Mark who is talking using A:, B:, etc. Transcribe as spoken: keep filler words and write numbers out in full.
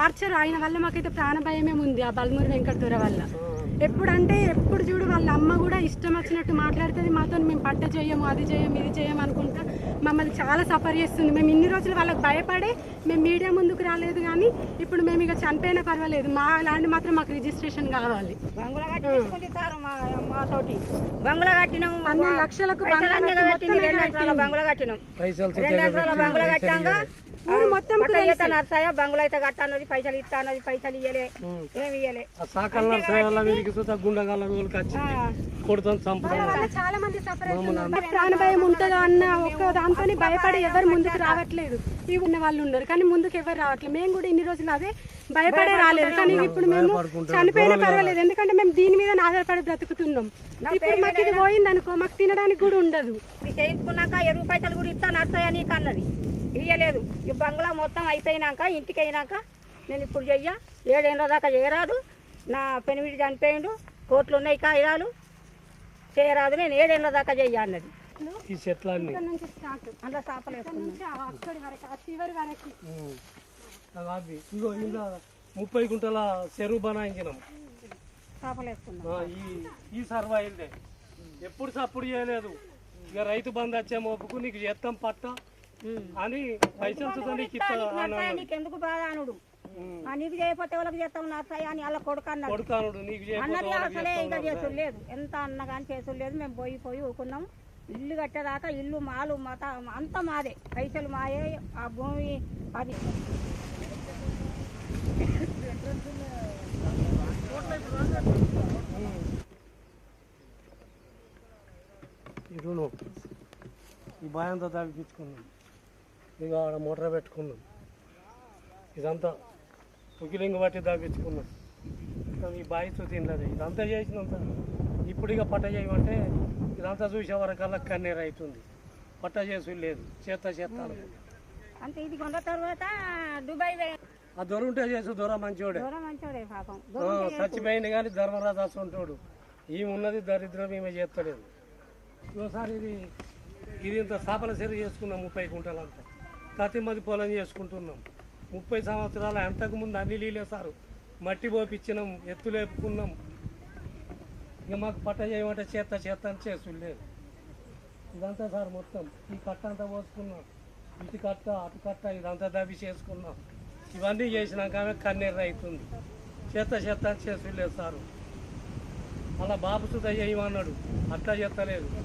A: Torture ఆయన వల్ల మాకైతే ప్రాణభయమే ఉంది ఆ బల్మూరి వెంకటదొర వల్ల. ఎప్పుడంటే ఎప్పుడు చూడు వాళ్ళ అమ్మ కూడా ఇష్టం వచ్చినట్టు మాట్లాడుతుంది మాతో. మేము పట్ట చేయము, అది చేయము, ఇది చేయము అనుకుంటా మమ్మల్ని చాలా సఫర్ చేస్తుంది. మేము ఇన్ని రోజులు వాళ్ళకి భయపడే మేము మీడియా ముందుకు రాలేదు, కానీ ఇప్పుడు మేము ఇక చనిపోయినా పర్వాలేదు, మా ల్యాండ్ మాత్రం మాకు రిజిస్ట్రేషన్ కావాలి.
B: బంగ్లా కట్టినాం,
A: అన్ని లక్షలకు
B: బంగ్లా కట్టినాం, బంగ్లా కట్టాక మొత్తం నర్సయ్య బంగ్లా అయితే కట్టన్నది, పైసలు ఇస్తా అన్నది, పైసలు ఇయ్యలే, ఏమి ఇయ్యలే.
A: చాలా మంది సఫర్ అవుతున్నారు. ప్రాణభయం ఉంటుందో అన్న ఒక్క దాంతో భయపడి ఎవరు ముందుకు రావట్లేదు. ఇవి ఉన్న వాళ్ళు ఉన్నారు కానీ ముందుకు ఎవరు రావట్లేదు. మేము కూడా ఇన్ని రోజులు అదే భయపడే రాలేదు, కానీ ఇప్పుడు మేము చనిపోయినా పర్వాలేదు, ఎందుకంటే మేము దీని మీద ఆధారపడి బ్రతుకుతున్నాం. ఇప్పుడు మాకు ఇది పోయింది అనుకో, మాకు తినడానికి కూడా ఉండదు.
B: చేయించుకున్నాక ఇరవై పైసలు కూడా ఇస్తా నర్సయ్య నీకు అన్నది, ఇయ్యలేదు. ఈ బంగ్లా మొత్తం అయిపోయినాక ఇంటికి అయినాక నేను ఇప్పుడు చెయ్య ఏడేళ్ళ దాకా చేయరాదు, నా పెనిమిడి చనిపోయిండు, కోట్లు ఉన్నాయి కాగితాలు, చేయరాదు, నేను ఏడేళ్ళ దాకా చెయ్య అన్నది.
C: ఈ చెట్లన్నీ
B: అందులో చేపలు
C: ఇగో ఇలా ముప్పై గుంటల చెరువు బనాయించినాం,
B: చేపలు వేసుకున్నాం.
C: ఈ సర్వాయిల్దే ఎప్పుడు సప్పుడు చేయలేదు. ఇక రైతు బంధు వచ్చే మోపుకు నీకు చేస్తాం పట్ట అని పైసలు
B: నీకెందుకు బాధ అనుడు, నీకు చేయకపోతే వాళ్ళకి చేస్తాం నర్సయ్య అని వాళ్ళ కొడుకు అన్నాడు అన్నది. అసలే ఇంకా చేసుడు లేదు, ఎంత అన్న కానీ చేసుడు లేదు. మేము పోయి పోయి ఊకున్నాం. ఇల్లు కట్టేదాకా ఇల్లు మాలు మత అంతా మాదే, పైసలు మాయే, ఆ భూమి అది.
C: ఇరును ఈ బాయంతా తాగిపించుకున్నాం, ఇక ఆడ మోటార్ పెట్టుకున్నాం, ఇదంతా ఉకిలింగ బట్టి తాగించుకున్నాం. ఈ బాయితో తినలేదు, ఇదంతా చేసినంత. ఇప్పుడు ఇక పట్ట చేయమంటే ఇదంతా చూసే వరకల్లా కన్నీరు అవుతుంది. పట్ట చేసు లేదు, చేత చేస్తాను
B: అంటే. ఇది కొన్న తర్వాత దుబాయ్
C: ఆ దొర ఉంటే చేసు, దొర మంచోడే, చచ్చిపోయింది కానీ ధర్మరాజు ఉంటాడు. ఈమె ఉన్నది దరిద్రం, ఈమె చేస్తలేదు. ఒకసారి ఇది ఇది ఇంత స్థాపన సరి చేసుకున్నాం, ముప్పై గుంటలంతా ప్రతి మది పొలం చేసుకుంటున్నాం. ముప్పై సంవత్సరాలు అంతకుముందు అన్ని నీళ్ళే సారు, మట్టి పోపిచ్చినాం, ఎత్తులు వేపుకున్నాం. ఇక మాకు పట్ట చేయమంటే చేత చేత అని చేసుడు లేదు. ఇదంతా సార్ మొత్తం ఈ కట్ట అంతా పోసుకున్నాం, ఇటు కట్ట అటు కట్ట ఇదంతా దవి చేసుకున్నాం. ఇవన్నీ చేసినాక ఆమె కన్నీరు అవుతుంది, చేత చేత అని చేసుడు లేదు సారు. అలా బాబు సుధ చేయమన్నాడు, అట్లా చేస్తలేదు.